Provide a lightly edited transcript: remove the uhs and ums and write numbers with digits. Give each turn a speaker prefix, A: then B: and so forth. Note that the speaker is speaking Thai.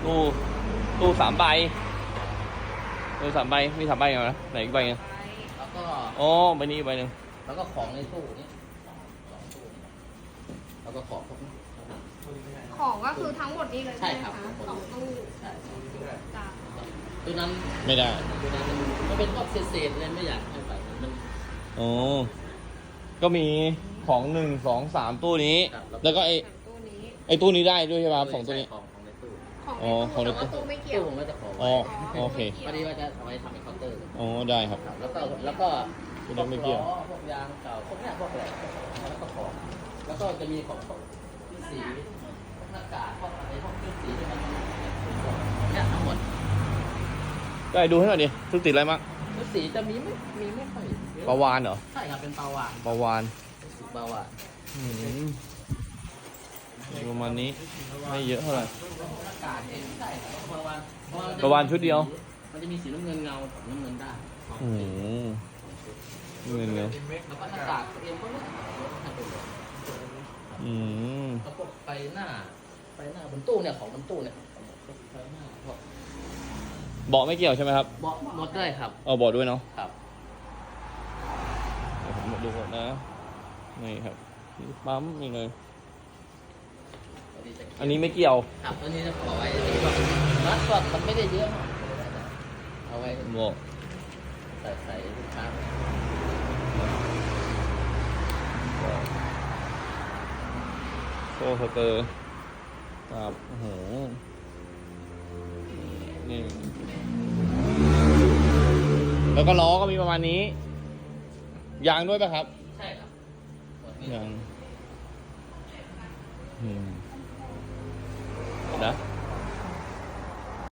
A: ตู้ตู้3 ใบตู้3 ใบมี3 ใบเหรอนะไหนอีกใบนึง
B: แล้วก็
A: อ๋อใบนี้อีกใบนึง
B: แล้วก็ของในตู้นี้สองตู้นี้แล้วก็ของพวกนี้
C: ของก็คือทั้งหมดนี้เลย
B: ใช่
C: ใช่ไหม
B: ครับ
C: คะสองตู้
B: ใช่สองตู้
C: จ้ะ
B: ตัวนั้น
A: ไม่ได้
B: ตัวนั้นมันเป็นพวกเศษๆเลยไม่อยากให้ใส่มัน
A: อ๋อก็มีของ1 2 3ตู้นี้
B: ครับ
A: แล้วก็ไอ้
C: สามตู้นี้
A: ตู้นี้ได้ด้วยใช่ไหมครับ2ตู้นี้
B: ของในตู้
C: ของ
A: อ๋อของ
C: ใน
A: ใน
C: ตู้
A: ตู้
C: แต่ว่าตู้ไม่เกี่ยว
B: ตู้ผมก็จะขอ
A: อ๋
B: ไว้
A: อโอเค
B: พอดีว่าจะเอาไว้ทำเป็นเคาน์เตอร์
A: อ๋อได้ครับ
B: ครับแล้วก็
A: ตู้นี้ไม่เกี่ยว
B: พวกยางเก่าพวกเนี้ยพวกอะไรแล้วก็ของแล้วก็จะมีของพวกที่สีพวกหน้ากากพวกอะไรพวกที่สีที่มันเนี่ยทั้งหมด
A: ได้ดูให้หน่อยดิทุกติดอะไรมั้ง
B: ที่สีจะมีไม่ค่อยเยอะ
A: ปลาวานเหรอ
B: ใช่ครับเป็นปลาวาน
A: ปลาวาน
B: ปลาวาน
A: อืมประมาณนี้ไม่เยอะเท่าไหร่
B: หน้ากากเองใช่ครับปลาวาน
A: ปลาวาฬชุดเดียว
B: มันจะมีสีน้ำเงินเงาของน้ำเงินได้
A: อืมเงินเงิน
B: แล้วก็หน้ากากเองก็ไม่ให้ไปเลย
A: อืม
B: แล้วพวกไฟหน้าบนตู้เนี่ยของบนตู้เนี่ยไฟหน้าพวก
A: เบาะไม่เกี่ยวใช่ไหมครับ
B: เบาะหมดได้ครับ
A: เอาเบาะด้วยเนาะ
B: ครับ
A: เดี๋ยวผมดูก่อนนะนี่ครับปั๊มนี่เลยอันนี้ไม่เกี่ยว
B: ครับตัวนี้จะขอไว้ที่ว่ามัดก็มันไม่ได้เยอะมากเอาไว้
A: เบาะ
B: ใส่ลูกค้า
A: โซ่สเตอร์ครับโอ้โหนี่แล้วก็ล้อก็มีประมาณนี้ยางด้วยป่ะครับ
B: ใช่ครับหมดนี้
A: ยางอืมนะ